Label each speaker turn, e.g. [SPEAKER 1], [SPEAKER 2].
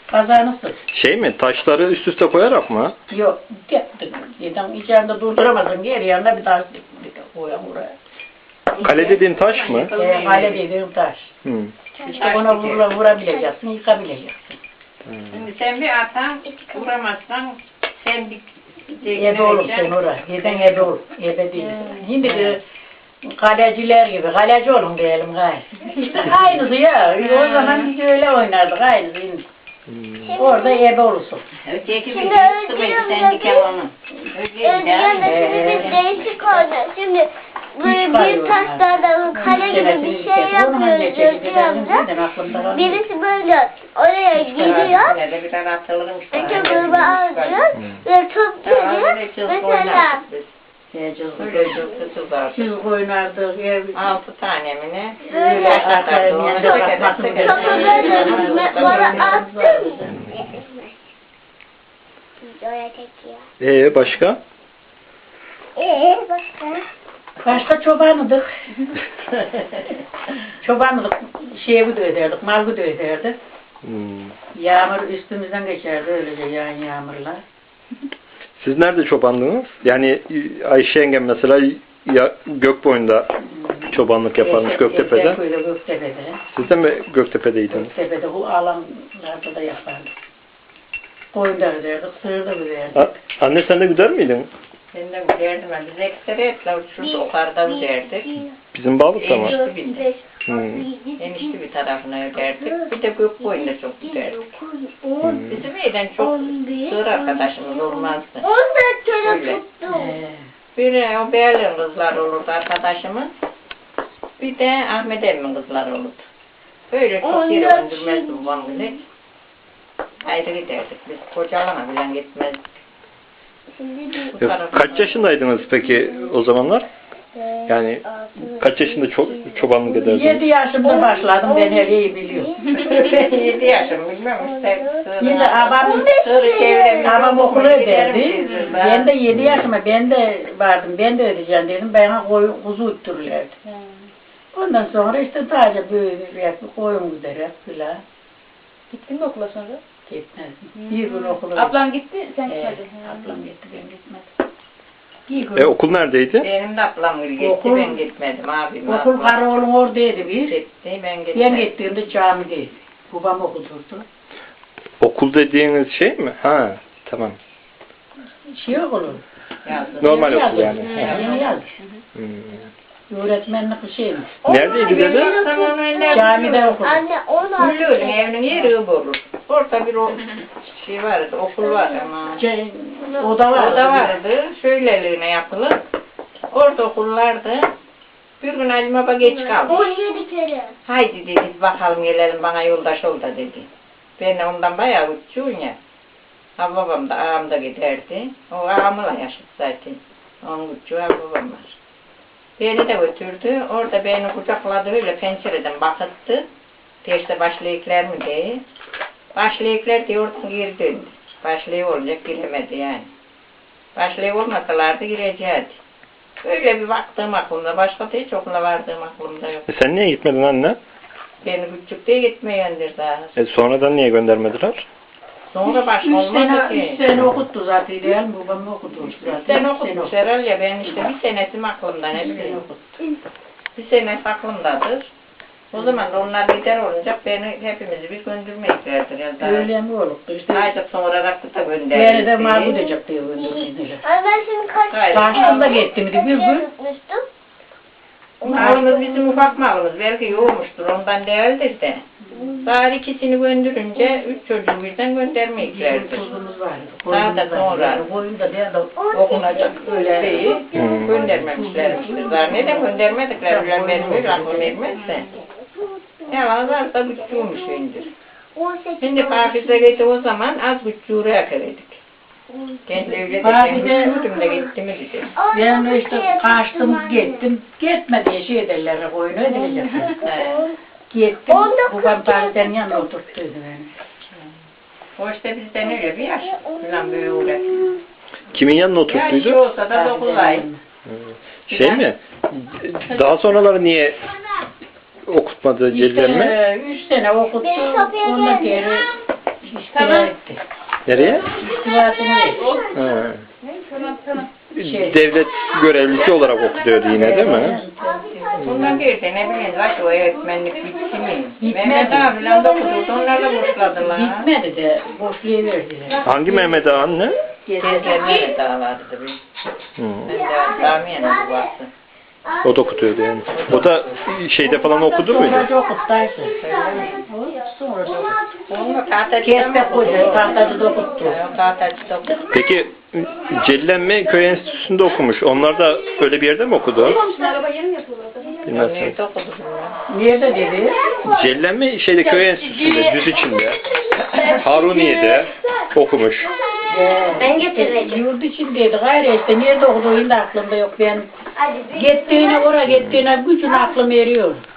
[SPEAKER 1] Kazanırsın.
[SPEAKER 2] Şey mi? Taşları üst üste koyarak mı?
[SPEAKER 1] Yok. Dedim içeride durduramazsın. Geri yanına bir taş koyalım buraya.
[SPEAKER 2] Kale dediğin taş mı?
[SPEAKER 1] Kale dediğim taş.
[SPEAKER 2] Hı.
[SPEAKER 1] İşte ona vurabileceksin, yıkabileceksin.
[SPEAKER 3] Şimdi sen bir atan vuramazsan sen bir
[SPEAKER 1] Ebe olursun oraya. Yeden ebe olur. Ebe değil. Şimdi kaleciler gibi. Kaleci olun diyelim gayet. İşte aynısı ya. O zaman biz öyle oynardık. Aynısı. Orada ebe olursun.
[SPEAKER 3] öteki bir
[SPEAKER 4] Şimdi
[SPEAKER 3] sıvıydı sen diken onu.
[SPEAKER 4] Ödüyorsun da şimdi bir değişik oldu. Şimdi böyle bir taşlardan kale gibi bir şey yapıyoruz Ödüyor'da. Birisi böyle oraya gidiyor.
[SPEAKER 3] Bir tane atılırım.
[SPEAKER 4] Önce gruba alıyor ve top geliyor. Mesela
[SPEAKER 1] Siz oynardık.
[SPEAKER 3] 6 tane mi ne?
[SPEAKER 4] böyle topu böyle bana attım. Videoya çekiyor.
[SPEAKER 2] Başka?
[SPEAKER 4] Başka?
[SPEAKER 1] Başka çobanıdık. Çobanıdık. Şeyi de öderdik, malgı da öderdik. Yağmur üstümüzden geçerdi öylece yağan yağmurlar.
[SPEAKER 2] Siz nerede çobanlığınız? Yani Ayşe yengem mesela Gökboyun'da çobanlık yaparmış Göktepe'de.
[SPEAKER 1] Göktepe'de.
[SPEAKER 2] Siz de mi Göktepe'deydiniz?
[SPEAKER 1] Göktepe'de bu alanlarda da yapardık. Koyun da öderdik, sığır da öderdik.
[SPEAKER 2] Anne sen de güder miydin?
[SPEAKER 3] Ben de gülerdim. Biz ekseriyetle şurada yukarıda gülerdik.
[SPEAKER 2] Bizim Bağlık'ta mı?
[SPEAKER 3] Enişte bir tarafına öderdik. Bir de Gökboyun'da çok gülerdik. Bizim evden çok sığır arkadaşımız olmazdı. Öyle. Bir o Berlin kızlar olurdu arkadaşımız. Bir de Ahmet Emin kızlar olurdu. Böyle çok yere öndürmezdi babam bile. Ayrı giderdik. Biz kocalana bile gitmezdik.
[SPEAKER 2] Kaç yaşındaydınız peki o zamanlar? Yani kaç yaşında çobanlık ederdiniz?
[SPEAKER 1] 7 yaşımda başladım, ben her iyi biliyorum.
[SPEAKER 3] 7 yaşım bilmem işte.
[SPEAKER 1] Yine babam okulu öderdi. Ben de 7 yaşıma ben de vardım, ben de ödeyeceğim dedim. Bana kuzu uttururlardı. Ondan sonra işte sadece böyle koyun gider filan.
[SPEAKER 5] Gittin mi okula sonra?
[SPEAKER 1] Gitmez. Bir gün okula.
[SPEAKER 5] Ablan gitti, sen gitmedin.
[SPEAKER 1] Ablam gitti, ben gitmedim.
[SPEAKER 2] Okul neredeydi?
[SPEAKER 3] Benim de ablam gitti, ben gitmedim abim.
[SPEAKER 1] Okul Karaoğlu'nun oradaydı bir.
[SPEAKER 3] Gitti, ben gitmedim.
[SPEAKER 1] Ben gittiğimde camideydi. Babam okudurdu.
[SPEAKER 2] Okul dediğiniz şey mi? Ha, tamam.
[SPEAKER 1] Şey okulu.
[SPEAKER 2] Normal okul yani.
[SPEAKER 1] Yeni yazdı. Öğretmenlik bir şeymiş.
[SPEAKER 2] Neredeydi dede?
[SPEAKER 1] Camide okudum.
[SPEAKER 4] Anne onu
[SPEAKER 3] Gülüğün evinin yeri olur. Orada bir şey vardı, okul var ama.
[SPEAKER 1] Oda vardı.
[SPEAKER 3] Orada vardı, şöyleliğine yapılır. Orada okullardı. Bir gün Ali Baba geç kaldı.
[SPEAKER 4] 17 kere.
[SPEAKER 3] Haydi dedi, bakalım gelelim bana yoldaş ol da dedi. Ben ondan bayağı uçuyorum ya. Ha babam da ağam da giderdi. O ağamla yaşadı zaten. Onun uçuyor babam var. Beni de götürdü. Orada beni kucakladı öyle pencereden bakıttı. İşte başlayıklar mı diye. Başlayıklar diye oradan geri döndü. Başlayık olacak giremedi yani. Başlayık olmasalardı gireceğiydi. Öyle bir baktığım aklımda. Başka da hiç okula vardığım aklımda yok.
[SPEAKER 2] Sen niye gitmedin anne?
[SPEAKER 3] Beni küçük diye gitmeyendir daha.
[SPEAKER 2] Sonradan niye göndermediler?
[SPEAKER 3] Sonra başka olmadı ki.
[SPEAKER 1] 3 sene okuttu zaten değil mi? Babam okuttu zaten.
[SPEAKER 3] 3 sene okutmuş herhalde. Ben işte bir senesim aklımda ne bileyim. Bir senesi aklımdadır. O zaman da onlar gider olunca beni hepimizi bir göndermeyeceklerdir ya da.
[SPEAKER 1] Öyle mi olur? İşte
[SPEAKER 3] Ayda sonra rakı da
[SPEAKER 1] beni
[SPEAKER 3] gönderdi.
[SPEAKER 1] de mal edecek diye gönderdiler.
[SPEAKER 4] Anne ben şimdi kaç
[SPEAKER 1] Karşımda gittim bir gün.
[SPEAKER 4] unutmuştum.
[SPEAKER 3] Malımız bizim ufak malımız. Belki yoğmuştur ondan değildir de. Daha ikisini gönderünce 3 çocuğu birden göndermeyeceklerdir.
[SPEAKER 1] Tuzumuz vardı.
[SPEAKER 3] Daha da sonra.
[SPEAKER 1] Koyun da diye de
[SPEAKER 3] Okunacak öyle değil. Göndermemişlermiştir. Daha neden göndermedikler bilen benim öyle aklım ermezse. Yalan varsa güçlüymüş indir.
[SPEAKER 4] 18
[SPEAKER 3] Şimdi Pakize gitti o zaman az güçlüğü yakaladık. Kendi evde güçlüydüm de gitti mi dedi.
[SPEAKER 1] Ben işte kaçtım gittim. Gitme diye şey ederler koyunu ödeyecek. Gittim. Babam Pakize'nin yanına oturttuydu beni.
[SPEAKER 3] O işte bizden öyle bir yaş. Falan böyle uğraş.
[SPEAKER 2] Kimin yanına
[SPEAKER 3] Yaş
[SPEAKER 2] oturttuydu?
[SPEAKER 3] olsa da 9 ay.
[SPEAKER 2] Şey mi? Daha sonraları niye okutmadı Celil mi?
[SPEAKER 1] İşte 3 sene okuttu. Ondan geri işte İstifa etti.
[SPEAKER 2] Nereye?
[SPEAKER 1] İstifasını verdi.
[SPEAKER 2] Ha.
[SPEAKER 1] Şey.
[SPEAKER 2] Devlet görevlisi olarak okuyordu yine değil mi?
[SPEAKER 3] Bundan girdi ne bileyim bak o öğretmenlik bitti mi?
[SPEAKER 1] Bitmedi.
[SPEAKER 3] Mehmet abiyle de okudu onlar da boşladılar.
[SPEAKER 1] Bitmedi de boşluğu verdiler.
[SPEAKER 2] Hangi Mehmet Ağa anne?
[SPEAKER 3] Teyze Mehmet ağa vardı bir.
[SPEAKER 2] Hı.
[SPEAKER 3] Ben de Samiye'nin babası.
[SPEAKER 2] O da okutuyordu yani. O da şeyde falan okudu muydu?
[SPEAKER 1] Sonra okuttaydı. Sonra
[SPEAKER 3] Onu tahtacıda
[SPEAKER 1] Kesmek koydu, tahtacı da okuttu.
[SPEAKER 3] Tahtacıda okuttu.
[SPEAKER 2] Peki Cellenme Köy Enstitüsü'nde okumuş. Onlar da öyle bir yerde mi okudu?
[SPEAKER 5] Araba yeni mi yapıyorlar?
[SPEAKER 2] Bilmezsiniz.
[SPEAKER 3] Nerede okudu?
[SPEAKER 1] Nerede dedi?
[SPEAKER 2] Cellenme şeyde Köy Enstitüsü'nde, düz içinde. Haruniye'de okumuş.
[SPEAKER 4] Ben getireceğim.
[SPEAKER 1] Yurt içindeydi gayrı işte. Nerede okuduğu da aklımda yok benim.
[SPEAKER 4] Hadi bir
[SPEAKER 1] Gittiğine oraya gittiğine bütün aklım eriyor.